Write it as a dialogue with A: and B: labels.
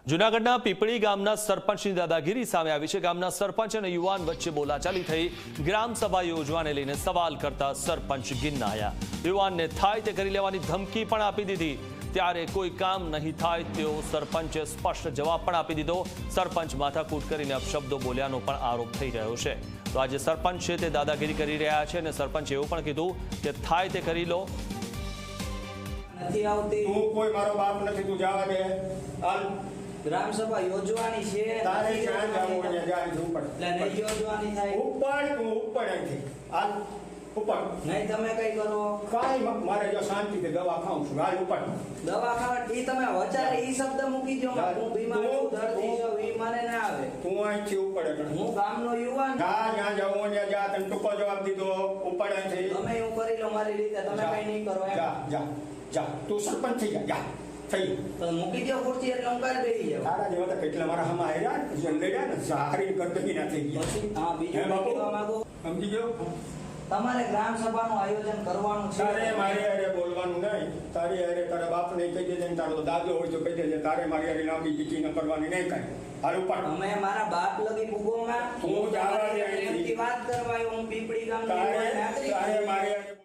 A: જૂનાગઢના પીપળી ગામના સરપંચની દાદાગીરી સામે આવી છે। ગામના સરપંચ અને યુવાન વચ્ચે બોલાચાલી થઈ। ગ્રામ સભા યોજવાને લઈને સવાલ કરતા સરપંચ ગિન્નાયા। યુવાનને થાય તે કરી લેવાની ધમકી પણ આપી દીધી। ત્યારે કોઈ કામ નહીં થાય તેવો સરપંચે સ્પષ્ટ જવાબ પણ આપી દીધો। સરપંચ માથાકૂટ કરીને અપશબ્દો બોલ્યાનો પણ આરોપ થઈ રહ્યો છે। તો આજે સરપંચ છે તે દાદાગીરી કરી રહ્યા છે અને સરપંચે એવું પણ કીધું કે થાય તે કરી લો।
B: નથી આવતી।
C: તું કોઈ મારો બાપ નથી, તું જવા દે। હાલ
B: ગ્રામ સભા યોજવાની છે,
C: તારે જ્યાં જવું હોય ત્યાં જા, ઉપર
B: એટલે નહીં યોજવાની થાય।
C: ઉપર તું ઉપર અહીંથી હાલ ઉપર
B: નહીં તમે કઈ કરો,
C: કાંઈ મારે જો શાંતિથી દવા ખાઉં છું। હાલ ઉપર
B: દવા ખાવા ઈ તમે વચારે ઈ શબ્દ મૂકી દો।
C: જા,
B: હું બીમાર છું,
C: તું-
B: દર્દી છું, ઈ મને ના આવે।
C: તું અહીંથી ઉપર એટલે
B: હું ગામનો યુવાન,
C: જા, જ્યાં જવું હોય ત્યાં જા। તને ટૂંકો જવાબ દીધો, ઉપર અહીંથી
B: તમે હું કરી લો મારી રીતે, તમે
C: જા,
B: કઈ નહીં કરો એમ।
C: જા જા જા, તું સરપંચ થઈ જા, જા થઈ ગયું।
B: તો મૂકી દો ખુરશી એટલે હું કરી બેસી જાઉં।
C: તારા જેવા તો કેટલા મારા હમા આવ્યા લડ્યા ને સારી કરતકી ના થઈ ગયા।
B: પછી હા બીજું
C: હે
B: કઈ
C: બાપુ?
B: કહેવા માંગો?
C: સમજી ગયો?
B: તમારે ગ્રામ સભાનું આયોજન કરવાનું છે।
C: તારે મારી હારે બોલવાનું નહીં। તારી હારે તારા બાપને કહી દેજે ને તારો દાદો હોય તો કહી દેજે। તારે મારી હારે લાંબી ચીઠી ન કરવાની નહીં કાંઈ। હાલ ઉપર
B: અમે મારા બાપ લગી ભૂગોમાં
C: હું જવા દે
B: પ્રેમથી વાત કરવા આવ્યો। હું પીપળી ગામનો
C: તારે
B: યુવાન નાગરિક
C: તારે
B: છું।
C: મારી હારે